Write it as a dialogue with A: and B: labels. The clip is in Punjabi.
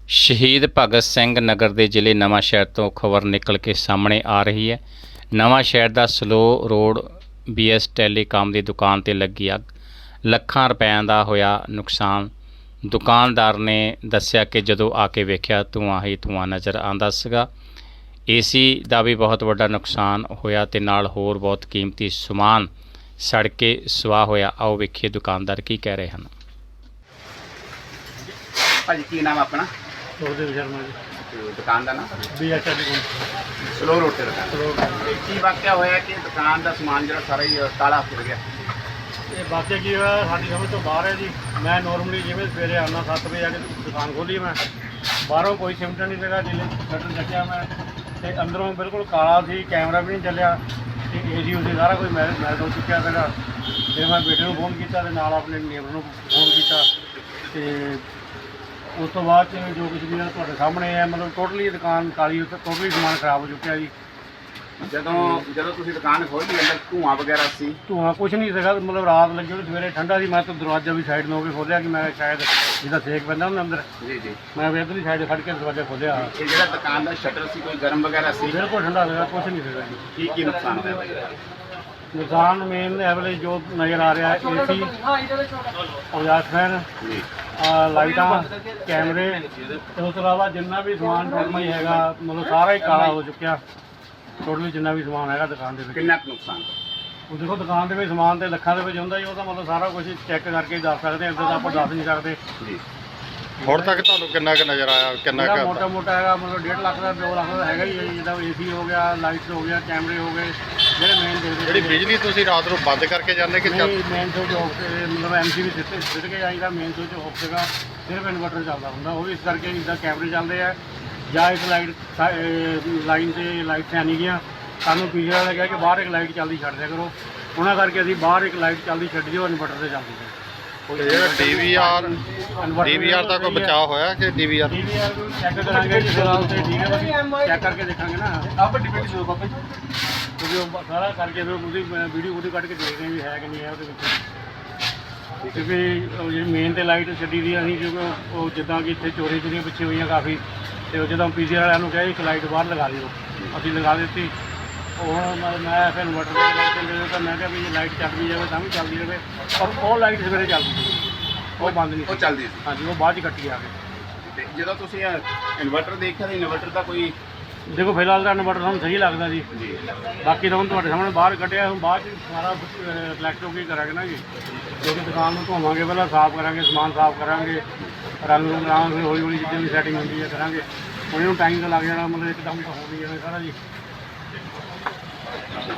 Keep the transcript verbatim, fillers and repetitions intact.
A: ਸ਼ਹੀਦ ਭਗਤ ਸਿੰਘ ਨਗਰ ਦੇ ਜ਼ਿਲ੍ਹੇ ਨਵਾਂਸ਼ਹਿਰ ਤੋਂ ਖਬਰ ਨਿਕਲ ਕੇ ਸਾਹਮਣੇ ਆ ਰਹੀ ਹੈ। ਨਵਾਂਸ਼ਹਿਰ ਦਾ Salo road B S telecom ਦੀ ਦੁਕਾਨ ਤੇ ਲੱਗੀ ਅੱਗ, ਲੱਖਾਂ ਰੁਪਇਆਂ ਦਾ ਹੋਇਆ ਨੁਕਸਾਨ। ਦੁਕਾਨਦਾਰ ਨੇ ਦੱਸਿਆ ਕਿ ਜਦੋਂ ਆ ਕੇ ਵੇਖਿਆ ਧੂੰਆਂ ਹੀ ਧੂੰਆਂ ਨਜ਼ਰ ਆਉਂਦਾ ਸੀਗਾ। ਏ ਸੀ ਦਾ ਵੀ ਬਹੁਤ ਵੱਡਾ ਨੁਕਸਾਨ ਹੋਇਆ ਤੇ ਨਾਲ ਹੋਰ ਬਹੁਤ ਕੀਮਤੀ ਸਮਾਨ ਸੜ ਕੇ ਸੁਆਹ ਹੋਇਆ। ਆਓ ਵੇਖੀਏ ਦੁਕਾਨਦਾਰ ਕੀ ਕਹਿ ਰਹੇ ਹਨ।
B: ਭਾਜੀ ਕੀ ਨਾਮ ਆਪਣਾ?
C: ਸੁਖਦੇਵ ਸ਼ਰਮਾ ਜੀ,
B: ਤੇ ਦੁਕਾਨ ਦਾ ਨਾਮ?
C: B H L
B: Salo road ਤੇ ਦੁਕਾਨ।
C: ਕੋਲ।
B: ਤੇ ਕੀ ਵਾਕਿਆ ਹੋਇਆ ਕਿ ਦੁਕਾਨ ਦਾ ਸਮਾਨ ਜਿਹੜਾ ਸਾਰਾ ਹੀ ਤਾਲਾ ਫਿਰ ਗਿਆ?
C: ਇਹ ਵਾਕਿਆ ਕੀ ਹੋਇਆ, ਸਾਡੀ ਸਮਝ ਤੋਂ ਬਾਹਰ ਹੈ ਜੀ। ਮੈਂ ਨੋਰਮਲੀ ਜਿਵੇਂ ਸਵੇਰੇ ਆਉਂਦਾ ਸੱਤ ਵਜੇ ਆ ਕੇ ਦੁਕਾਨ ਖੋਲ੍ਹੀ ਮੈਂ, ਬਾਹਰੋਂ ਕੋਈ ਸਿਮਟ ਨਹੀਂ ਸੀਗਾ, ਜਿਲੇ ਸ਼ਟਰ ਚੱਕਿਆ ਮੈਂ ਤੇ ਅੰਦਰੋਂ ਬਿਲਕੁਲ ਕਾਲਾ ਸੀ, ਕੈਮਰਾ ਵੀ ਨਹੀਂ ਚੱਲਿਆ ਤੇ ਏ ਸੀ ਉਸੇ ਸਾਰਾ ਕੁਝ ਮੈਲ ਮੈਲ ਹੋ ਚੁੱਕਿਆ ਸੀਗਾ। ਫਿਰ ਮੈਂ ਬੇਟੇ ਨੂੰ ਫੋਨ ਕੀਤਾ ਤੇ ਨਾਲ ਆਪਣੇ ਨੇਬਰ ਨੂੰ ਫੋਨ ਕੀਤਾ ਤੇ ਉਸ ਤੋਂ ਬਾਅਦ 'ਚ ਜੋ ਕੁਝ ਵੀ ਹੈ ਤੁਹਾਡੇ ਸਾਹਮਣੇ ਹੈ। ਮਤਲਬ ਟੋਟਲੀ ਦੁਕਾਨ ਕਾਲੀ, ਉੱਤੇ ਟੋਟਲੀ ਸਮਾਨ ਖਰਾਬ ਹੋ ਚੁੱਕਿਆ ਜੀ।
B: ਜਦੋਂ ਜਦੋਂ ਤੁਸੀਂ ਦੁਕਾਨ ਖੋਲ੍ਹੀ ਅੰਦਰ ਧੂੰਆਂ ਵਗੈਰਾ ਸੀ?
C: ਧੂੰਆਂ ਕੁਛ ਨਹੀਂ ਸੀਗਾ, ਮਤਲਬ ਰਾਤ ਲੱਗੀ ਹੋਈ, ਸਵੇਰੇ ਠੰਡਾ ਸੀ। ਮੈਂ ਤਾਂ ਦਰਵਾਜ਼ਾ ਵੀ ਸਾਈਡ ਨੂੰ ਹੋ ਕੇ ਖੋਲ੍ਹਿਆ ਕਿ ਮੈਂ ਸ਼ਾਇਦ ਜਿੱਦਾਂ ਸੇਕ ਪੈਂਦਾ ਹੁੰਦਾ ਅੰਦਰ,
B: ਜੀ ਜੀ।
C: ਮੈਂ ਵੀ ਇੱਧਰਲੀ ਸਾਈਡ ਖੜ੍ਹ ਕੇ ਦਰਵਾਜ਼ਾ ਖੋਲ੍ਹਿਆ।
B: ਇਹ ਜਿਹੜਾ ਦੁਕਾਨ ਦਾ ਸ਼ਟਰ ਸੀ ਕੋਈ ਗਰਮ ਵਗੈਰਾ ਸੀ?
C: ਬਿਲਕੁਲ ਠੰਡਾ ਸੀਗਾ, ਕੁਛ ਨਹੀਂ ਸੀਗਾ ਜੀ।
B: ਕੀ ਕੀ ਨੁਕਸਾਨ ਹੋਇਆ ਭਾਈ?
C: ਨੁਕਸਾਨ ਮੇਨ ਐਵਰੇਜ ਜੋ ਨਜ਼ਰ ਆ ਰਿਹਾ ਏ ਸੀ, ਔਜ਼ਾਰ ਫੈਨ,
B: ਜੀ
C: ਲਾਈਟਾਂ, ਕੈਮਰੇ ਤੇ ਉਸ ਤੋਂ ਇਲਾਵਾ ਜਿੰਨਾ ਵੀ ਸਮਾਨ ਟੋਟਲ ਹੀ ਹੈਗਾ, ਮਤਲਬ ਸਾਰਾ ਹੀ ਕਾਲਾ ਹੋ ਚੁੱਕਿਆ। ਟੋਟਲੀ ਜਿੰਨਾ ਵੀ ਸਮਾਨ ਹੈਗਾ ਦੁਕਾਨ ਦੇ ਵਿੱਚ।
B: ਕਿੰਨਾ ਕੁ ਨੁਕਸਾਨ?
C: ਉਹ ਦੇਖੋ ਦੁਕਾਨ ਦੇ ਵਿੱਚ ਸਮਾਨ ਤੇ ਲੱਖਾਂ ਦੇ ਵਿੱਚ ਹੁੰਦਾ ਜੀ, ਉਹ ਤਾਂ ਮਤਲਬ ਸਾਰਾ ਕੁਝ ਚੈੱਕ ਕਰਕੇ ਹੀ ਦੱਸ ਸਕਦੇ ਹਾਂ, ਇੱਦਾਂ ਤਾਂ ਆਪਾਂ ਦੱਸ ਨਹੀਂ ਸਕਦੇ।
B: ਜੀ
D: ਹੁਣ ਤੱਕ ਤੁਹਾਨੂੰ ਕਿੰਨਾ ਕੁ ਨਜ਼ਰ ਆਇਆ, ਕਿੰਨਾ
C: ਜਿਹੜਾ
D: ਕੁ
C: ਮੋਟਾ ਮੋਟਾ ਹੈਗਾ ਮਤਲਬ ਡੇਢ ਲੱਖ ਦਾ, ਦੋ ਲੱਖ ਦਾ ਹੈਗਾ ਹੀ ਹੈ ਜੀ। ਜਿੱਦਾਂ ਏ ਸੀ ਹੋ ਗਿਆ, ਲਾਈਟਸ ਹੋ ਗਿਆ, ਕੈਮਰੇ ਹੋ ਗਏ, ਜਿਹੜੇ ਮੇਨ ਦੇਖਦੇ
D: ਜਿਹੜੀ ਬਿਜਲੀ ਤੁਸੀਂ ਰਾਤ ਨੂੰ ਬੰਦ ਕਰਕੇ ਜਾਂਦੇ ਕਿ ਚੱਲ-
C: ਨਹੀਂ, ਮੇਨ ਸਵਿਚ ਆਫ ਤੇ ਮਤਲਬ ਐਮ ਸੀ ਵੀ ਸਿੱਧੇ ਸਿੱਧ ਕੇ ਜਾਈਦਾ, ਮੇਨ ਸਵਿਚ ਆਫ ਸੀਗਾ, ਸਿਰਫ ਇਨਵਰਟਰ ਚੱਲਦਾ ਹੁੰਦਾ। ਉਹ ਵੀ ਇਸ ਕਰਕੇ ਜਿੱਦਾਂ ਕੈਮਰੇ ਚੱਲਦੇ ਆ ਜਾਂ ਇੱਕ ਲਾਈਟ ਲਾਈਨ ਤੇ ਲਾਈਟ ਹੈ ਨਹੀਂ ਗਿਆ। ਸਾਨੂੰ ਪੀਜੇ ਵਾਲਾ ਕਿਹਾ ਕਿ ਬਾਹਰ ਇੱਕ ਲਾਈਟ ਚੱਲਦੀ ਛੱਡ ਦਿਆ ਕਰੋ, ਉਹਨਾਂ ਕਰਕੇ ਅਸੀਂ ਬਾਹਰ ਇੱਕ ਲਾਈਟ ਚੱਲਦੀ ਛੱਡ ਦਿਓ, ਇਨਵਰਟਰ ਤੇ ਚੱਲਦੀ ਹੈ।
D: ਤੇ ਜਿਹੜਾ D V R D V R ਦਾ ਕੋਈ ਬਚਾਅ ਹੋਇਆ ਕਿ D V R
C: D V R check ਕਰਾਂਗੇ ਜੀ ਫਿਲਹਾਲ ਤੇ ਠੀਕ ਹੈ, ਬਾਕੀ ਚੈੱਕ ਕਰਕੇ ਦੇਖਾਂਗੇ ਨਾ। ਆਪ ਡਿਪੈਂਡ ਕਰੋ ਬਾਬਾ ਜੀ, ਕਿਉਂਕਿ ਉਹ ਸਾਰਾ ਕਰਕੇ ਫਿਰ ਉਹਦੀ ਵੀਡੀਓ ਉਹਦੀ ਕੱਢ ਕੇ ਦੇਖਦੇ ਹਾਂ ਵੀ ਹੈ ਕਿ ਨਹੀਂ ਹੈ ਉਹਦੇ ਵਿੱਚ। ਕਿਉਂਕਿ ਉਹ ਜਿਹੜੀ ਮੇਨ ਤੇ ਲਾਈਟ ਛੱਡੀ ਦੀ ਅਸੀਂ, ਕਿਉਂਕਿ ਉਹ ਜਿੱਦਾਂ ਕਿ ਇੱਥੇ ਚੋਰੀ ਚੋਰੀਆਂ ਪਿੱਛੇ ਹੋਈਆਂ ਕਾਫੀ, ਤੇ ਉਹ ਜਦੋਂ ਪੀਜੀ ਵਾਲਿਆਂ ਨੂੰ ਕਿਹਾ ਇੱਕ ਲਾਈਟ ਬਾਹਰ ਲਗਾ ਦਿਓ, ਅਸੀਂ ਲਗਾ ਦਿੱਤੀ। ਉਹ ਹੁਣ ਮੈਂ ਮੈਂ ਫਿਰ ਇਨਵਰਟਰ ਦੇ ਲਾਈਟ ਚੱਲਦੇ ਤਾਂ ਮੈਂ ਕਿਹਾ ਵੀ ਜੇ ਲਾਈਟ ਚੱਲ ਵੀ ਜਾਵੇ ਤਾਂ ਵੀ ਚੱਲਦੀ ਰਹੇ, ਪਰ ਉਹ ਲਾਈਟ ਸਵੇਰੇ ਚੱਲਦੀ ਸੀ, ਉਹ ਬੰਦ ਨਹੀਂ
B: ਉਹ
C: ਸੀ।
B: ਚੱਲਦੀ ਸੀ?
C: ਹਾਂਜੀ, ਉਹ ਬਾਅਦ 'ਚ ਕੱਟੀ ਆ ਕੇ।
B: ਤੇ ਜਦੋਂ ਤੁਸੀਂ ਇਨਵਰਟਰ ਦੇਖਿਆ ਤਾਂ ਇਨਵਰਟਰ ਦਾ ਕੋਈ?
C: ਦੇਖੋ ਫਿਲਹਾਲ ਤਾਂ ਇਨਵਰਟਰ ਸਾਨੂੰ ਸਹੀ ਲੱਗਦਾ ਜੀ।
B: ਜੀ
C: ਬਾਕੀ ਤਾਂ ਹੁਣ ਤੁਹਾਡੇ ਸਾਹਮਣੇ ਬਾਹਰ ਕੱਢਿਆ, ਹੁਣ ਬਾਅਦ 'ਚ ਸਾਰਾ ਰਿਫਲੈਕਟ ਹੋ ਕੇ ਕਰਾਂਗੇ ਨਾ ਜੀ। ਕਿਉਂਕਿ ਦੁਕਾਨ ਨੂੰ ਧੋਵਾਂਗੇ, ਪਹਿਲਾਂ ਸਾਫ਼ ਕਰਾਂਗੇ, ਸਮਾਨ ਸਾਫ਼ ਕਰਾਂਗੇ, ਰੰਗ ਰੂੰਗ ਲਾਵਾਂਗੇ, ਹੌਲੀ ਹੌਲੀ ਜਿੱਦਾਂ ਵੀ ਸੈਟਿੰਗ ਹੁੰਦੀ ਹੈ ਕਰਾਂਗੇ। ਹੁਣ ਇਹਨੂੰ ਟਾਈਮ ਤਾਂ ਲੱਗ ਜਾਣਾ, ਮਤਲਬ ਇੱਕਦਮ ਤਾਂ ਹੋ ਨਹੀਂ ਜਾਣਾ ਸਾਰਾ ਜੀ।